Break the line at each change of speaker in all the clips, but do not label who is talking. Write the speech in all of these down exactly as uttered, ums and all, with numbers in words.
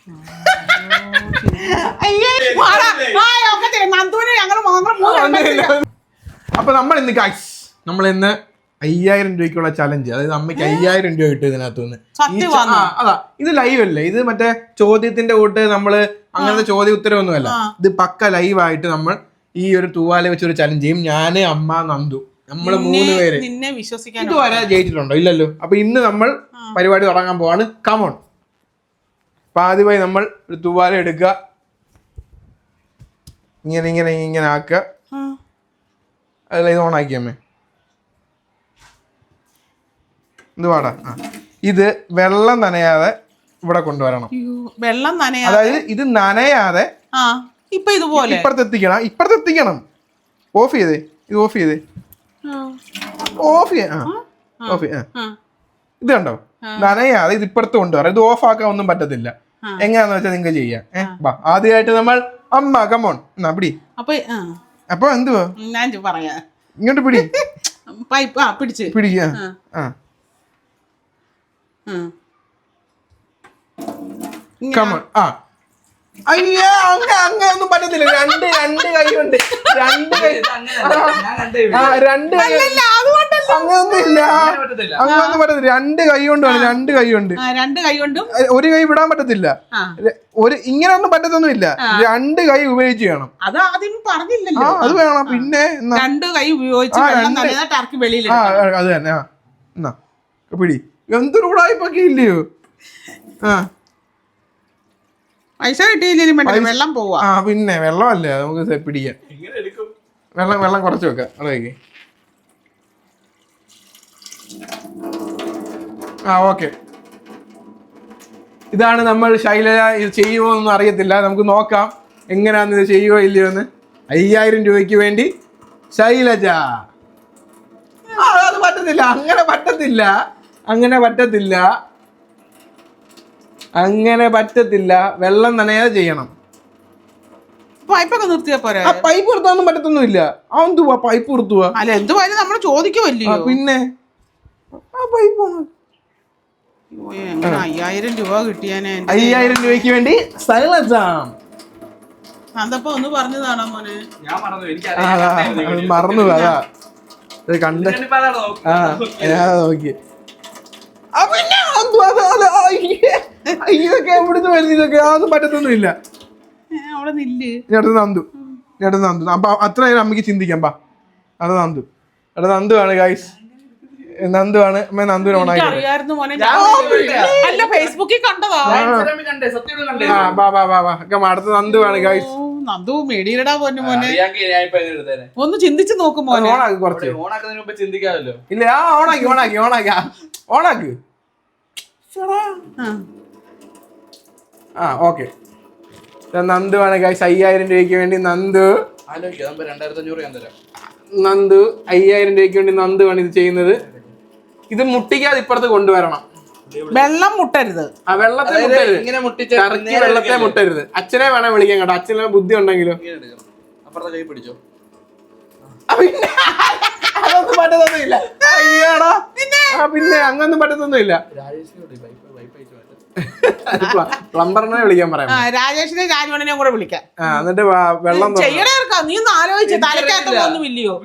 അപ്പൊ നമ്മൾ ഇന്ന് ഗൈസ് നമ്മൾ ഇന്ന് അയ്യായിരം രൂപയ്ക്കുള്ള ചലഞ്ച്, അതായത് അമ്മയ്ക്ക് അയ്യായിരം രൂപ കിട്ടും ഇതിനകത്തുനിന്ന്. അതാ ഇത് ലൈവ് അല്ലേ, ഇത് മറ്റേ ചോദ്യത്തിന്റെ കൂട്ട് നമ്മള് അങ്ങനത്തെ ചോദ്യ ഉത്തരവൊന്നുമല്ല, ഇത് പക്ക ലൈവായിട്ട് നമ്മൾ ഈ ഒരു തൂവാല വെച്ചൊരു ചലഞ്ച് ചെയ്യും. ഞാന്, അമ്മ, നന്ദു, നമ്മള് മൂന്ന് പേര്. ഇതുവരെ ജയിച്ചിട്ടുണ്ടോ? ഇല്ലല്ലോ. അപ്പൊ ഇന്ന് നമ്മൾ പരിപാടി തുടങ്ങാൻ പോവാണ്. കമോൺ. അപ്പൊ ആദ്യമായി നമ്മൾ ഒരു തൂവാല എടുക്കുക, ഇങ്ങനെ ഇങ്ങനെ ഇങ്ങനെ ആക്കുക. അതല്ല, ഇത് ഓണാക്കി അമ്മേ. ഇത് പാടാ. ഇത് വെള്ളം നനയാതെ ഇവിടെ കൊണ്ടുവരണം.
വെള്ളം നനയാതെ,
അതായത് ഇത് നനയാതെ
ഇപ്പൊ ഇതുപോലെ
ഇപ്പുറത്തെത്തിക്കണം. ഇപ്പുറത്തെത്തിക്കണം. ഓഫ് ചെയ്തേ, ഇത് ഓഫ് ചെയ്തേ, ഓഫ് ചെയ്യാ. ഓഫ് ചെയ്യാ. ഇത് കണ്ടോ, നനയാതെ ഇത് ഇപ്പുറത്ത് കൊണ്ടുവരാം. ഇത് ഓഫ് ആക്കാൻ ഒന്നും പറ്റത്തില്ല. എങ്ങനെയാന്ന് വെച്ചാൽ നിങ്ങൾക്ക് ചെയ്യാം. ഏഹ് ആദ്യമായിട്ട് നമ്മൾ അമ്മ കമോൺ എന്നാ പിടി. അപ്പൊ എന്തുവാ
ഞാൻ പറയാ,
ഇങ്ങോട്ട് പിടി.
പൈപ്പ് പിടിച്ച്
പിടിക്കുക. ആ കമോൺ. ആ അയ്യാ, അങ്ങ അങ്ങനൊന്നും പറ്റത്തില്ല. രണ്ട് രണ്ട് കൈ കൊണ്ട് രണ്ട് കൈ രണ്ട് കൈ അങ്ങനൊന്നും ഇല്ല. അങ്ങനൊന്നും പറ്റത്തില്ല. രണ്ട് കൈ കൊണ്ട് വേണം. രണ്ട് കൈ കൊണ്ട്
രണ്ട് കൈ കൊണ്ടും
ഒരു കൈ വിടാൻ പറ്റത്തില്ല. ഒരു ഇങ്ങനെയൊന്നും പറ്റത്തൊന്നും ഇല്ല. രണ്ട് കൈ ഉപയോഗിച്ച് വേണം.
അത് ആദ്യം പറഞ്ഞില്ലല്ലോ.
അത് വേണം. പിന്നെ
രണ്ട് കൈ ഉപയോഗിച്ച് വെളിയിൽ.
ആ അത് തന്നെ. ആ എന്നാ പിടി. എന്തൊരു ഉടായിപ്പൊക്കെ ഇല്ലയോ. ആ
പൈസ കിട്ടിയില്ലേ, വെള്ളം പോവാ.
ആ പിന്നെ വെള്ളമല്ലേ, നമുക്ക് പിടിക്കാം. വെള്ളം വെള്ളം കുറച്ച് വെക്കാം. അതൊക്കെ ആ ഓക്കെ. ഇതാണ് നമ്മൾ. ശൈലജ ഇത് ചെയ്യുമോ എന്നൊന്നും അറിയത്തില്ല. നമുക്ക് നോക്കാം എങ്ങനെയാന്ന് ഇത് ചെയ്യുമോ ഇല്ലയോ എന്ന്. അയ്യായിരം രൂപയ്ക്ക് വേണ്ടി ശൈലജ. അത് പറ്റത്തില്ല, അങ്ങനെ പറ്റത്തില്ല, അങ്ങനെ പറ്റത്തില്ല, അങ്ങനെ പറ്റത്തില്ല. വെള്ളം നനയാതെ ചെയ്യണം.
പൈപ്പൊക്കെ നിർത്തിയാ പോരാ.
ആ പൈപ്പ് നിർത്താനൊന്നും പറ്റത്തൊന്നുമില്ല. ആ എന്തുവാ പൈപ്പ് നിർത്തുവാ?
അല്ല എന്തുവായാലും നമ്മൾ ചോദിക്കുമല്ലോ.
പിന്നെ ആ പൈപ്പ്
അയ്യായിരം രൂപ കിട്ടിയാനെ.
അയ്യായിരം രൂപയ്ക്ക് വേണ്ടി ശൈലജ.
അതപ്പോ ഒന്ന് പറഞ്ഞതാണോ മോനെ?
മറന്നു. അതാ കണ്ട. ആ ഞാൻ നോക്കി. ഇതൊക്കെ എവിടുന്ന് വരുന്നത്? ഇതൊക്കെ അതൊന്നും പറ്റത്തൊന്നുമില്ല. നന്ദു ചേട്ടൻ നന്ദു. അപ്പൊ അത്ര നേരം അമ്മയ്ക്ക് ചിന്തിക്കാം. പാ അത് നന്ദു. എടാ നന്ദു ആണ് ഗൈസ്, നന്ദു ആണ്. അമ്മ നന്ദുവിനെ ഓണാക്കി. അടുത്ത നന്ദു ആണ് ഗൈസ്.
നന്ദു മേടിയിടാ പോന്നെ മോനെ. ഒന്ന് ചിന്തിച്ചു നോക്കും മോനെ.
ഓണാക്ക് കുറച്ച്.
ചിന്തിക്കാമല്ലോ.
ഇല്ല ആ ഓണാക്കി ഓണാക്കി ഓണാക്കി ഓണാക്ക്. ആ ഓക്കെ. നന്ദു ആണ് ഗൈസ്. അയ്യായിരം രൂപയ്ക്ക് വേണ്ടി നന്ദു. നന്ദു അയ്യായിരം രൂപയ്ക്ക് വേണ്ടി നന്ദു ആണ് ഇത് ചെയ്യുന്നത്. ഇത് മുട്ടിക്കാതെ ഇപ്പുറത്ത് കൊണ്ടുവരണം.
വെള്ളം മുട്ടരുത്.
ആ വെള്ളത്തെ മുട്ടരുത്. കറക്കി വെള്ളത്തെ മുട്ടരുത്. അച്ഛനെ വേണേ വിളിക്കാൻ കേട്ടോ. അച്ഛനെ ബുദ്ധി ഉണ്ടെങ്കിലോ.
അപ്പുറത്തെ കൈ പിടിച്ചോ.
അതൊന്നും പറ്റത്തൊന്നുമില്ല. അയ്യോടാ. പിന്നെ അങ്ങനൊന്നും പറ്റത്തൊന്നുമില്ല. പ്ലംബറിനെ വിളിക്കാൻ പറയാം.
രാജേഷിനെ രാജവണ്ണനെ കൂടെ വിളിക്കാം.
എന്നിട്ട് വെള്ളം
നീ ഒന്ന് ആലോചിച്ച് തലക്കകത്തൊന്നും ഇല്ലയോ?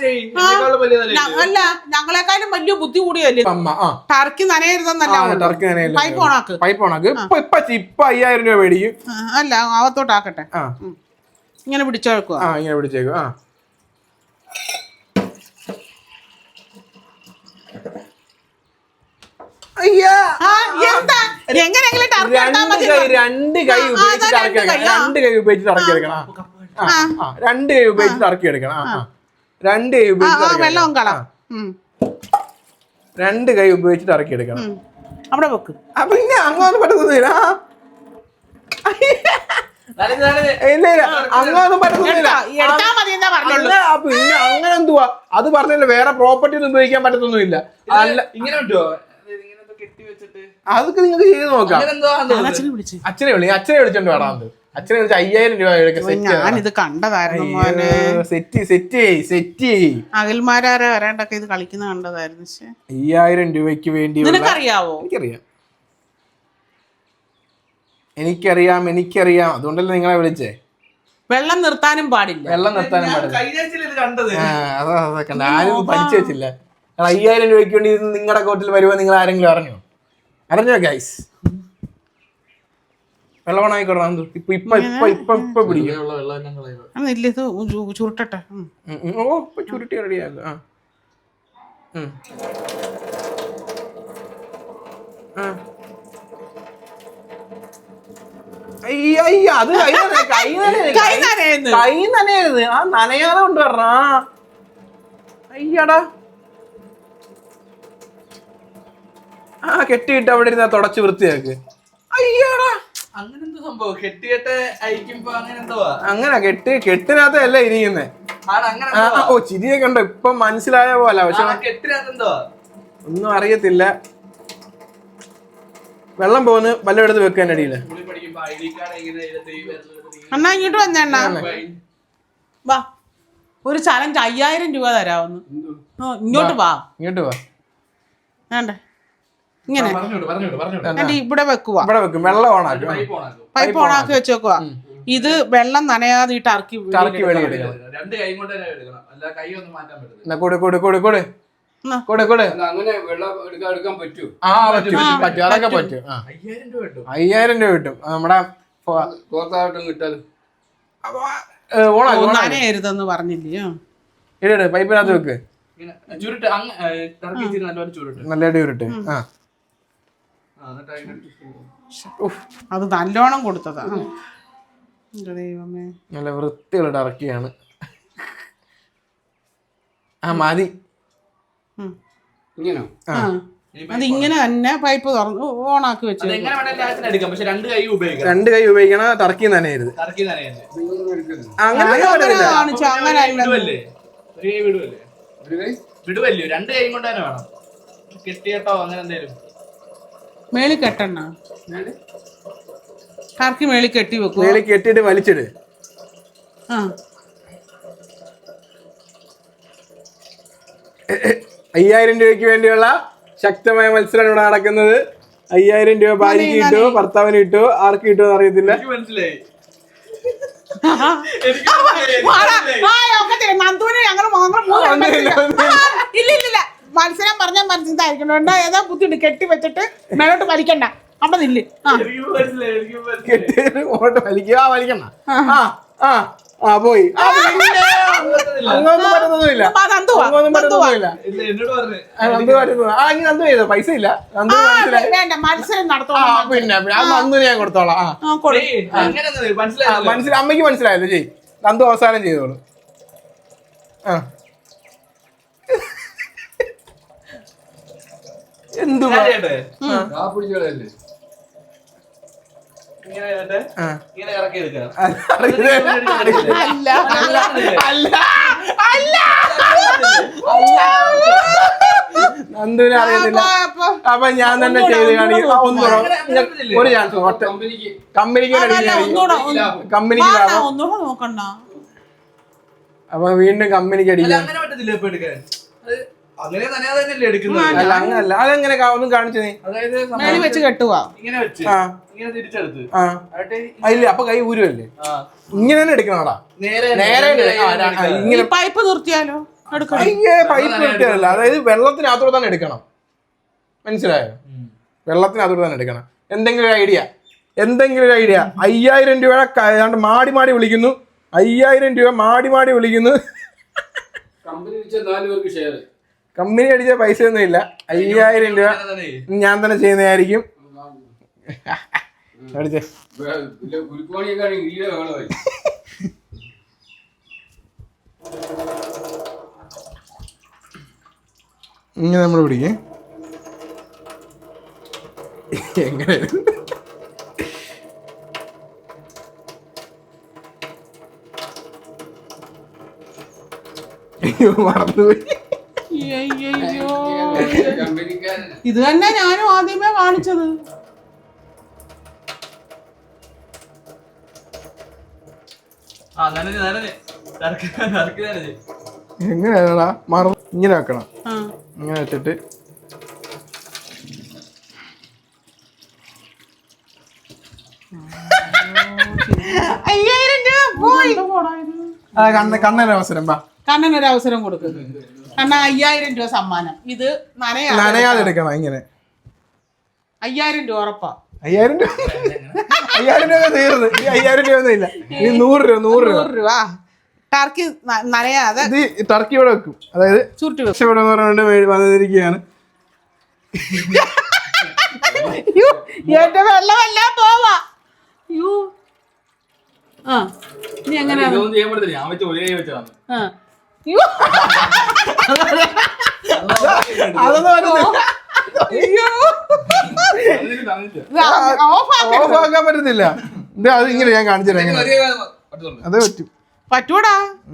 അല്ല ഞങ്ങളെക്കാളും വലിയ ബുദ്ധി കൂടിയല്ലേ. ടർക്കി നനയരുതെന്നല്ല.
ടർക്കി നനയരുത്.
പൈപ്പ് ഓണാക്ക്.
പൈപ്പ് ഓണാക്ക്. ഇപ്പൊ ഇപ്പൊ അയ്യായിരം രൂപ മേടിക്കും.
അല്ല അകത്തോട്ടാക്കട്ടെ. ഇങ്ങനെ പിടിച്ചേക്കുക.
ആ ഇങ്ങനെ പിടിച്ചേക്കും. ആ രണ്ട് കൈ ഉപയോഗിച്ചിട്ട് ഇറക്കിയെടുക്കണം. രണ്ട് കൈ ഉപയോഗിച്ചിട്ട് ഇറക്കിയെടുക്കണം. രണ്ട് കൈ ഉപയോഗിച്ചിട്ട് ഇറക്കിയെടുക്കണം. രണ്ട് കൈ ഉപയോഗിച്ചിട്ട് രണ്ട് കൈ ഉപയോഗിച്ചിട്ട് ഇറക്കിയെടുക്കണം.
അവിടെ വെക്ക്.
പിന്നെ അങ്ങനൊന്നും പറ്റത്തൊന്നുമില്ല. ഇല്ല ഇല്ല അങ്ങനൊന്നും പറ്റത്തൊന്നുമില്ല. പിന്നെ അങ്ങനെ എന്തുവാ അത് പറഞ്ഞില്ല. വേറെ പ്രോപ്പർട്ടി ഒന്നും ഉപയോഗിക്കാൻ പറ്റത്തൊന്നുമില്ല. അല്ല ഇങ്ങനെ അതൊക്കെ നിങ്ങൾക്ക് ചെയ്ത് നോക്കാം. അച്ഛനെ വിളി. അച്ഛനെ വിളിച്ചോണ്ട് വേണം. അച്ഛനെ വിളിച്ച് അയ്യായിരം രൂപ
ഞാനിത് കണ്ടതായിരുന്നു.
സെറ്റ് സെറ്റ് സെറ്റ്
അഖിൽമാരാരെ വരാണ്ടൊക്കെ ഇത് കളിക്കുന്ന കണ്ടതായിരുന്നു.
അയ്യായിരം രൂപയ്ക്ക് വേണ്ടി
നിനക്കറിയാവോ?
എനിക്കറിയാം. എനിക്കറിയാം എനിക്കറിയാം അതുകൊണ്ടല്ലേ നിങ്ങളെ വിളിച്ചേ.
വെള്ളം നിർത്താനും പാടില്ല.
വെള്ളം നിർത്താനും പാടില്ല.
കണ്ടത്
ആ അതാ അതൊക്കെ ആരും പഠിച്ചു വെച്ചില്ല. അയ്യായിരം രൂപയ്ക്ക് വേണ്ടി ഇത് നിങ്ങളുടെ കോട്ടിൽ വരുമ്പോൾ നിങ്ങൾ ആരെങ്കിലും അറിഞ്ഞോ? അറിഞ്ഞോ ഗൈസ്? വെള്ളം ആയിക്കോട്ടെ. ഇപ്പൊ ഇപ്പൊ ഇപ്പൊ ഇപ്പൊ ഇപ്പൊ പിടിക്കും.
ഇല്ല ഇത് ചു- ചുരുട്ടട്ടെ. ഉം.
ഓ ഇപ്പൊ ചുരുട്ടി റെഡിയാക്കുക. ആ ഉം. ആ. അയ്യ, അയ്യ, അത് കൈ നന- കൈ നനയരുത്.
കൈ നനയുന്നു.
കൈ നനയരുത്. ആ നനയാതെ കൊണ്ടുവരണ. അയ്യടാ. ആ കെട്ടിയിട്ട് അവിടെ ഇരുന്ന തുടച്ച് വൃത്തിയാക്ക്. അയ്യടാ.
അങ്ങനെ എന്തോ സംഭവം കെട്ടിയിട്ട് അയക്കുമ്പോ അങ്ങനെ എന്തുവാ?
അങ്ങനെ കെട്ടി കെട്ടിനകത്തല്ല ഇരിക്കുന്നേ.
ആണ് അങ്ങനെ
ആ, ഓ ചിരിയൊക്കെ ഉണ്ടോ ഇപ്പൊ മനസ്സിലായ പോലെ. പക്ഷെ
കെട്ടിനകത്ത് എന്തുവാ?
ഒന്നും അറിയത്തില്ല. വെള്ളം പോകുന്നു വല്ല എടുത്ത് വെക്കാൻ അടിയില്ല.
സ്കൂളിൽ പഠിക്കുമ്പോ ഐ ഡി കാർഡ് എങ്ങനെ ഇതിനകത്ത് ഈ വരുന്നത്?
അണ്ണാ ഇങ്ങോട്ട് വന്നേണ്ണ. വാ ഒരു ചലഞ്ച് അയ്യായിരം രൂപ തരാവുന്നു. ഓ, ഇങ്ങോട്ട് വാ.
ഇങ്ങോട്ട് വാ.
വേണ്ട ഇങ്ങനെ
പറഞ്ഞോട് പറഞ്ഞോട് പറഞ്ഞോട്.
എന്നിട്ട് ഇവിടെ വെക്കുവാ.
ഇവിടെ വെക്കും. വെള്ളം ഓണാക്കും.
പൈപ്പ് ഓണാക്കും.
പൈപ്പ് ഓണാക്കി വെച്ചേക്കുവാ. ഇത് വെള്ളം നനയാതെ ഈ ടർക്കി
ടർക്കി വെളിയെടുക്കണം.
രണ്ട് കൈ കൊണ്ട് തന്നെ എടുക്കണം. അല്ല കൈ ഒന്നും മാറ്റാൻ പറ്റില്ല.
എന്നാ കൊടു കൊടു കൊടു കൊടു
എന്നാ.
കൊടു കൊടു.
അങ്ങനെ വെള്ളം എടുക്കാൻ എടുക്കാൻ പറ്റൂ.
ആ പറ്റും പറ്റും അതൊക്കെ പറ്റും. ആ
അയ്യായിരം രൂപ കിട്ടും.
അയ്യായിരം രൂപ കിട്ടും. ആ, നമ്മുടെ
തോർത്താവട്ടം കിട്ടാൽ
ഓണാക്കും.
നനയരുതെന്ന് പറഞ്ഞില്ലയോ?
ഇട പൈപ്പിനകത്ത് വെക്ക്.
ഇങ്ങനെ ചുരുട്ട് അങ്ങ് ടർക്കി ഇച്ചിരി നല്ലപോലെ ചുരുട്ട്.
നല്ല അടി ഉരുട്ട്. ആ
ആ, എന്നിട്ട് അതിനകത്ത്
ഉഫ്.
അത് നല്ലോണം കൊടുത്തതാ. ആ. എന്റെ ദൈവമേ.
നല്ല വൃത്തിയുള്ള ടർക്കിയാണ്. ആ മതി.
ഉം.
ഇങ്ങനോ?
ആ
ആ. അത് ഇങ്ങനെ തന്നെ പൈപ്പ് തുറന്ന് ഓണാക്കി വെച്ചു.
അത് എങ്ങനെ വേണമെങ്കിലും ആവശ്യത്തിന് എടുക്കാം. പക്ഷെ രണ്ട് കൈ ഉപയോഗിക്കാം.
രണ്ട് കൈ ഉപയോഗിക്കണ ടർക്കി നനയരുത്.
ടർക്കി നനയല്ലേ?
ഇതൊന്നും എടുക്കരുത്.
അങ്ങനെ
അങ്ങനെ
പറ്റത്തില്ല.
കാണിച്ചു അങ്ങനെ അല്ല.
വിടുവല്ലേ? ഒരു കൈ വിടുവല്ലേ?
ഒരു കൈ
വിടുവല്ലോ? രണ്ട് കൈ കൊണ്ട് തന്നെ വേണം. കെട്ടിയിട്ടോ അങ്ങനെ എന്തേലും.
മേളി കെട്ടണ്ണ. ടർക്കി മേളി കെട്ടി വെക്കുക.
മേളിൽ കെട്ടിയിട്ട് വലിച്ചിട്.
ആ
അയ്യായിരം രൂപയ്ക്ക് വേണ്ടിയുള്ള ശക്തമായ മത്സരം ഇവിടെ നടക്കുന്നത്. അയ്യായിരം രൂപ ഭാര്യക്ക് കിട്ടുമോ ഭർത്താവിന് കിട്ടുമോ ആർക്ക് കിട്ടുമോ അറിയത്തില്ല.
എനിക്ക് മനസ്സിലായി.
നന്ദുവിന് ഞങ്ങള് ഇല്ല ഇല്ല മത്സരം പറഞ്ഞാൽ മനസ്സിലായിരിക്കണോ? ഏതാ ബുദ്ധിണ്ട് കെട്ടി വെച്ചിട്ട് മേലോട്ട് വലിക്കണ്ട. അവിടെ നില്ല്. ആ
എനിക്ക് മനസ്സിലായി. എനിക്ക് മനസ്സിലായി.
കെട്ടിയിട്ട് ഓട്ട് വലിക്കുക. ആ വലിക്കണ്ട. ആ ആ ആ പോയി. ആ, പിന്നെ അങ്ങൊന്നും പറ്റുന്നൊന്നുമില്ല.
ആ, നന്ദുവാ,
അങ്ങൊന്നും പറ്റുന്നൊന്നുമില്ല.
ഇല്ല, എന്നോട് പറഞ്ഞു.
ആ, നന്ദു പറ്റുന്നു. ആ ഇനി നന്ദു ചെയ്തോ. പൈസ ഇല്ല. നന്ദു
ആ,
മനസ്സിലായി.
വേണ്ട മത്സരം
ആ
നടത്തോളാം.
പിന്നെ പിന്നെ ആ നന്ദുവിന് ഞാൻ കൊടുത്തോളാം. ആ
ആ, കൊടു.
ഏയ്, അങ്ങനെയൊന്നും
ആ,
മനസ്സിലായി.
മനസ്സിലായി. അമ്മയ്ക്ക് മനസ്സിലായല്ലോ. ചെയ്. നന്ദു അവസാനം ചെയ്തോളൂ. ആ എന്തു
ആ പിടിച്ചോളല്ലേ.
ഇങ്ങനെ ചെയ്തിട്ട്
ആ
ഇങ്ങനെ ഇറക്കി എടുക്കാം.
അല്ല
അല്ല അല്ല നന്ദുവിനെ അറിയത്തില്ല.
അപ്പൊ
അപ്പൊ ഞാൻ തന്നെ ചെയ്ത് കാണിക്കും. ആ, ഒന്ന്
അങ്ങനെ അങ്ങനെ പറ്റില്ലേ?
ഒരു ചാൻസ് ഒറ്റ
കമ്പനിക്ക്
കമ്പനിക്ക്
അതല്ല, ഒന്നൂടെ ഒന്ന്
കമ്പനിക്ക്
വാ,
ലാഭം.
ഒന്നൂടെ നോക്കണ്ട.
അപ്പൊ വീണ്ടും കമ്പനിക്ക്
അല്ല,
അടിക്കാം.
അങ്ങനെ പറ്റത്തില്ല ഇപ്പൊ എടുക്കാൻ. അത് അങ്ങനെ തന്നെ തന്നെയല്ലേ എടുക്കുന്നത്.
അല്ല അങ്ങനല്ല. അതെങ്ങനെ കാ- ഒന്നും കാണിച്ചു നീ.
അതായത് നമ്മൾ
മേളി വെച്ച് കെട്ടുവാ.
ഇങ്ങനെ വെച്ച്
ആ
ഇങ്ങനെ തിരിച്ചെടുത്ത്
ആ
എന്നിട്ട്
ആ, ഇല്ല അപ്പൊ കൈ ഊരുവല്ലേ.
ആ,
ഇങ്ങനെ തന്നെ എടുക്കണോടാ.
നേരെ
നേരെ
രണ്ട്
ഇട്.
കൈ
ആ,
കൊണ്ട്
ആ,
എടുക്കുക.
ഇങ്ങനെ
ഈ പൈപ്പ് നിർത്തിയാലോ? എടുക്കണം.
അയ്യേ പൈപ്പ് കിട്ടിയതല്ല. അതായത് വെള്ളത്തിനകത്തോടെ തന്നെ എടുക്കണം. മനസ്സിലായോ?
ഉം.
വെള്ളത്തിനകത്തോടെ തന്നെ എടുക്കണം. എന്തെങ്കിലും ഒരു ഐഡിയ എന്തെങ്കിലും ഒരു ഐഡിയ. അയ്യായിരം രൂപ ഏതാണ്ട് മാടി മാടി വിളിക്കുന്നു. അയ്യായിരം രൂപ മാടി മാടി വിളിക്കുന്നു.
കമ്പനി വെച്ച നാല് പേർക്ക് ഷെയർ.
കമ്പനി അടിച്ച പൈസ ഒന്നും ഇല്ല. അയ്യായിരം രൂപ
അങ്ങനെ തന്നെ.
ഞാൻ തന്നെ ചെയ്യുന്നതായിരിക്കും. അടിച്ചേ.
ഗുരുക്കോണിയൊക്കെ ഈടെ വേണമായി.
ഇങ്ങനെ നമ്മൾ പിടിക്കേ. എങ്ങനെ അയ്യോ മറന്നുപോയി.
അയ്യയ്യോ.
കമ്പനിക്കാരൻ
ഇത് തന്നെ ഞാനും ആദ്യമേ കാണിച്ചത്.
ആ, നനഞ്ഞ് നനഞ്ഞ്. നറുക്ക് നറുക്ക് നനഞ്ഞ്.
എങ്ങനെയാണടാ മറ ഇങ്ങനെ വെക്കണം.
ആ
ഇങ്ങനെ വെച്ചിട്ട്
അയ്യായിരം രൂപ പോയി.
ആ, കണ്ണ കണ്ണന അവസരം വാ
കണ്ണൻ ഒരു അവസരം കൊടുക്കുന്നു. കണ്ണ അയ്യായിരം രൂപ സമ്മാനം. ഇത് നനയാ
നനയാതെ എടുക്കണം ഇങ്ങനെ.
അയ്യായിരം രൂപ ഉറപ്പാ.
അയ്യായിരം രൂപ അയ്യായിരം രൂപ തീർന്ന്. ഈ അയ്യായിരം രൂപ ഒന്നും ഇല്ല. ഈ നൂറ് രൂപ നൂറ് രൂപ
നൂറ് രൂപ ടർക്കി ന- നനയാതെ
ഇത് ഈ ടർക്കി ഇവിടെ വെക്കും. അതായത്
ചുരുട്ടി വെക്കും.
രക്ഷപ്പെടും എന്ന് പറഞ്ഞുകൊണ്ട് വേ- വന്നിരിക്കുകയാണ്.
യ്യോ, എന്റെ വെള്ളമെല്ലാം പോവാ. യ്യോ. ആ ഇനി എങ്ങനെയാണ്?
ഇതൊന്നും ചെയ്യാൻ പറ്റത്തില്ല. ഞാൻ വെച്ച ഒരേ വെച്ചതാണ്.
ആ. യ്യോ.
അതൊന്നും വരുന്നില്ല.
അയ്യോ.
അതിന് തന്നില്ല.
ഇത് ഓഫ് ആക്കരുത്.
ഓഫ് ആക്കാൻ പറ്റത്തില്ല. ഇത് അത് ഇങ്ങനെ ഞാൻ കാണിച്ചു തരാം. എങ്ങനെ
ഒരേ പറ്റത്തുള്ളൂ.
അതേ പറ്റും.
പറ്റൂടാ.